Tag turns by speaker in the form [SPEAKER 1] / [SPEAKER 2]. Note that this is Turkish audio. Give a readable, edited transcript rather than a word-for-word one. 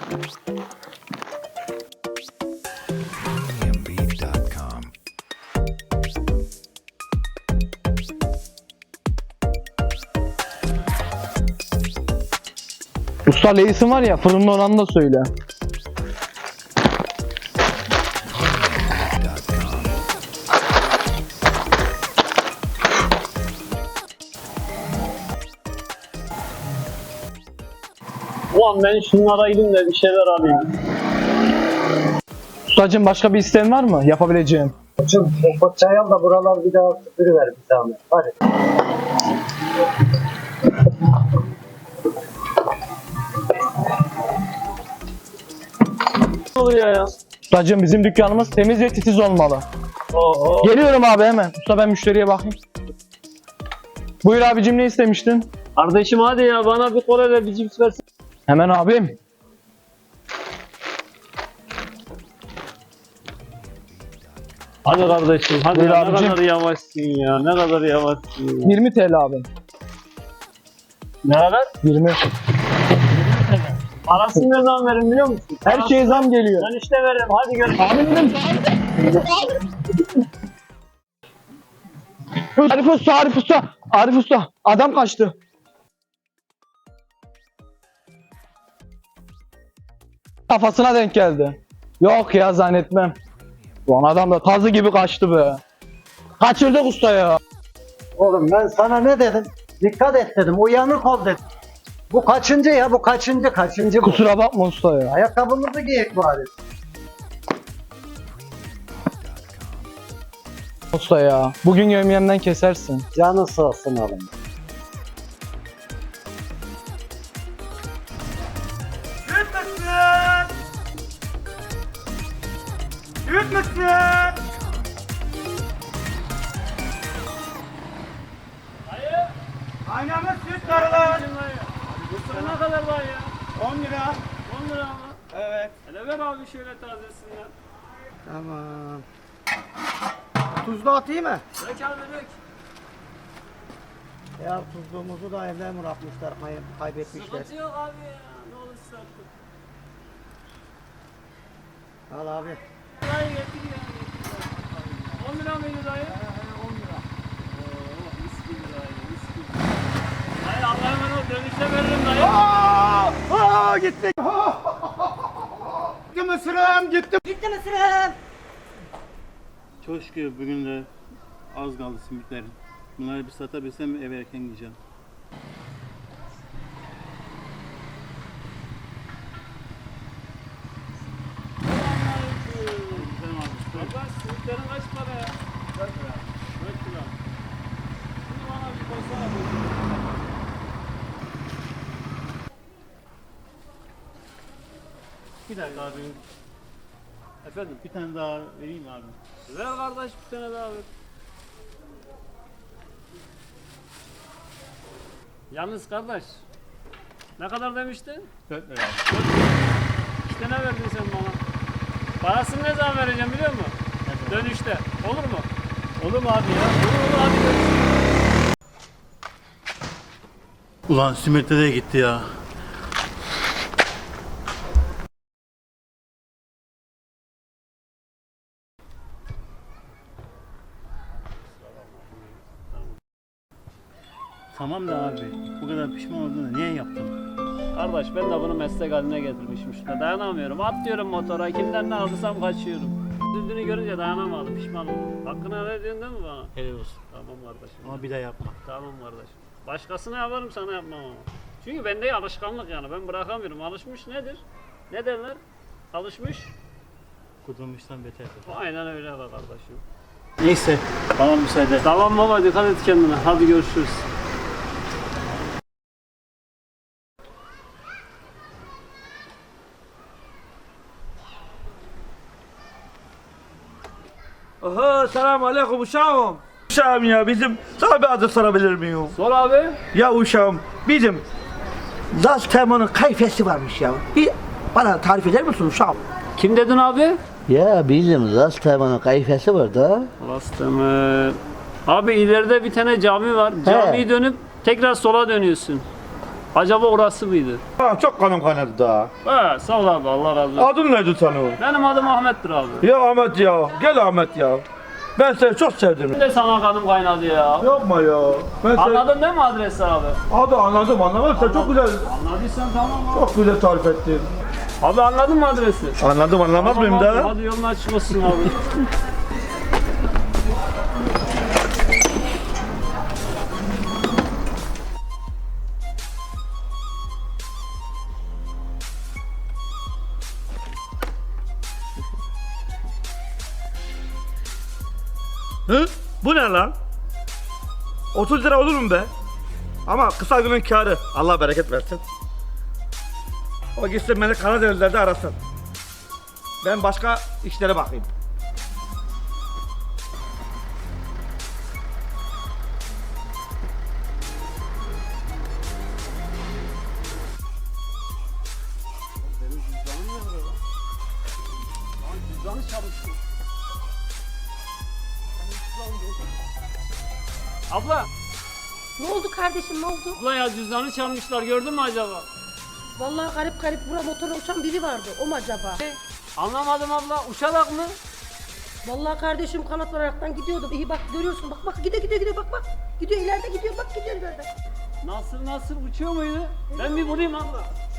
[SPEAKER 1] Premiumbeat.com.
[SPEAKER 2] Usta Leys'in var ya, fırının oranını da söyle.
[SPEAKER 3] Ulan ben şunlara gideyim de bir şeyler alayım.
[SPEAKER 2] Ustacığım başka bir isteğin var mı yapabileceğim?
[SPEAKER 4] Koçum o çay al da buralar bir daha süpürüver bir zahmet. Hadi.
[SPEAKER 3] Ne oluyor ya?
[SPEAKER 2] Ustacığım bizim dükkanımız temiz ve titiz olmalı.
[SPEAKER 3] Oo.
[SPEAKER 2] Geliyorum abi hemen. Usta ben müşteriye bakayım. Buyur abicim, ne istemiştin?
[SPEAKER 3] Kardeşim hadi ya, bana bir kola ve bir cips versin.
[SPEAKER 2] Hemen abim.
[SPEAKER 3] Hadi kardeşim hadi
[SPEAKER 2] Buyur
[SPEAKER 3] ya,
[SPEAKER 2] abicim.
[SPEAKER 3] ne kadar yavaşsın ya, ne kadar yavaşsın ya.
[SPEAKER 2] 20 TL abi.
[SPEAKER 3] Ne kadar?
[SPEAKER 2] 20.
[SPEAKER 3] Parasını ne zaman verin biliyor musun?
[SPEAKER 2] Her şeye zam geliyor.
[SPEAKER 3] Ben işte veririm, hadi görüşürüz.
[SPEAKER 2] Abi dedim. Arif Usta, Arif Usta. Arif Usta. Adam kaçtı. Kafasına denk geldi. Yok ya, zannetmem. Ulan adam da tazı gibi kaçtı be. Kaçırdık usta ya.
[SPEAKER 4] Oğlum ben sana ne dedim? Dikkat et dedim. Uyanık ol dedim. Bu kaçıncı ya? Bu kaçıncı bu?
[SPEAKER 2] Kusura bakma usta ya.
[SPEAKER 4] Ayakkabımızı giyek bari.
[SPEAKER 2] Usta ya. Bugün yemeğimden kesersin.
[SPEAKER 4] Canın sağ olsun oğlum.
[SPEAKER 5] Aynamız süt karılar.
[SPEAKER 3] Mısır ne kadar var ya?
[SPEAKER 5] 10 lira.
[SPEAKER 3] 10 lira mı?
[SPEAKER 5] Evet.
[SPEAKER 3] Hele ver abi şöyle tazesinden.
[SPEAKER 5] Tamam. Tuzlu atayım mı?
[SPEAKER 3] Dök abi dök.
[SPEAKER 5] Ya tuzluğumuzu da evde mi bırakmışlar, kaybetmişler.
[SPEAKER 3] Sıkıntı yok abi ya. Ne olursa artık.
[SPEAKER 5] Al abi.
[SPEAKER 3] Dayı getir ya. 10 lira mıydı dayı? 10 lira. Oo, mis gibi dayı, mis gibi. Dayı Allah'a emanet ol, dönüşte veririm dayı.
[SPEAKER 5] Aa gitti. Gitti mısırım, gitti. Gitti mısırım.
[SPEAKER 6] Çok şükür bugün de az kaldı simitlerim. Bunları bir satabilsem eve erken gideceğim.
[SPEAKER 3] Kardeş simitlerin kaç para ya? 4 lira. 4 lira. Şimdi bana bir koysana bu.
[SPEAKER 6] Bir dakika abi.
[SPEAKER 3] Efendim?
[SPEAKER 6] Bir tane daha vereyim abi.
[SPEAKER 3] Ver kardeş bir tane daha ver. Yalnız kardeş. Ne kadar demiştin?
[SPEAKER 6] 4 lira.
[SPEAKER 3] İşte ne verdin sen bana? Parasını ne zaman vereceğim biliyor musun? Dönüşte. Olur mu?
[SPEAKER 6] Olur mu abi ya?
[SPEAKER 3] Olur hadi görüşürüz.
[SPEAKER 6] Ulan simitler de gitti ya. Tamam da abi, bu kadar pişman olduğunu niye yaptın?
[SPEAKER 3] Kardeş ben de bunu meslek haline getirmişim işte. Dayanamıyorum. Atlıyorum motora. Kimden ne aldırsam kaçıyorum. Üzüldüğünü görünce dayanamadım. Pişman oldum. Hakkını helal ediyorsun değil mi bana?
[SPEAKER 6] Helal olsun.
[SPEAKER 3] Tamam kardeşim.
[SPEAKER 6] Ama bir daha yapma.
[SPEAKER 3] Tamam kardeşim. Başkasına yaparım, sana yapmam ama. Çünkü bende alışkanlık yani. Ben bırakamıyorum. Alışmış nedir? Ne derler? Alışmış.
[SPEAKER 6] Kudurmuştan beterdir.
[SPEAKER 3] Aynen öyle be kardeşim.
[SPEAKER 6] Neyse, bana müsaade.
[SPEAKER 3] Tamam baba, dikkat et kendine. Hadi görüşürüz.
[SPEAKER 7] Oho, selamun aleyküm uşağım. Uşağım ya bizim sana bir adı sorabilir miyim?
[SPEAKER 3] Sor abi.
[SPEAKER 7] Ya uşağım bizim Laz Temo'nun kayfesi varmış ya. Bir bana tarif eder misin uşağım?
[SPEAKER 3] Kim dedin abi?
[SPEAKER 8] Ya bizim Laz Temo'nun kayfesi var da.
[SPEAKER 3] Abi ileride bir tane cami var. Camiyi dönüp tekrar sola dönüyorsun. Acaba orası mıydı?
[SPEAKER 9] Ha, çok kanım kaynadı daha.
[SPEAKER 3] He sağ ol abi Allah razı olsun.
[SPEAKER 9] Adın neydi senin?
[SPEAKER 3] Benim adım Ahmet'tir abi.
[SPEAKER 9] Ya Ahmet ya. Gel Ahmet ya. Ben seni çok sevdim.
[SPEAKER 3] Ben de sana kanım kaynadı ya.
[SPEAKER 9] Yapma ya. Ben seni...
[SPEAKER 3] Anladın değil mi adresi abi?
[SPEAKER 9] Abi anladım anlamadım. Sen çok güzel,
[SPEAKER 3] Anladıysan tamam abi.
[SPEAKER 9] çok güzel tarif ettin.
[SPEAKER 3] Abi anladın mı adresi?
[SPEAKER 9] Anladım anlamaz mıyım
[SPEAKER 3] Tamam abi,
[SPEAKER 9] da?
[SPEAKER 3] hadi yolun açık olsun abi.
[SPEAKER 9] Hı? Bu ne lan? 30 lira olur mu be? Ama kısa günün kârı. Allah bereket versin. O gitsin beni Karadenizler'de arasın. Ben başka işlere bakayım.
[SPEAKER 3] Abla,
[SPEAKER 10] Ne oldu kardeşim ne oldu?
[SPEAKER 3] abla ya cüzdanı çalmışlar gördün mü acaba?
[SPEAKER 10] Vallahi garip garip bura motorla uçan biri vardı. O mu acaba?
[SPEAKER 3] Anlamadım abla, uçarak mı?
[SPEAKER 10] Vallahi kardeşim kanat vararaktan gidiyordum. İyi bak görüyorsun bak gidiyor bak. Gidiyor ileride gidiyor bak gidiyor ileride.
[SPEAKER 3] Nasıl uçuyor muydu? Ben bir vurayım abla.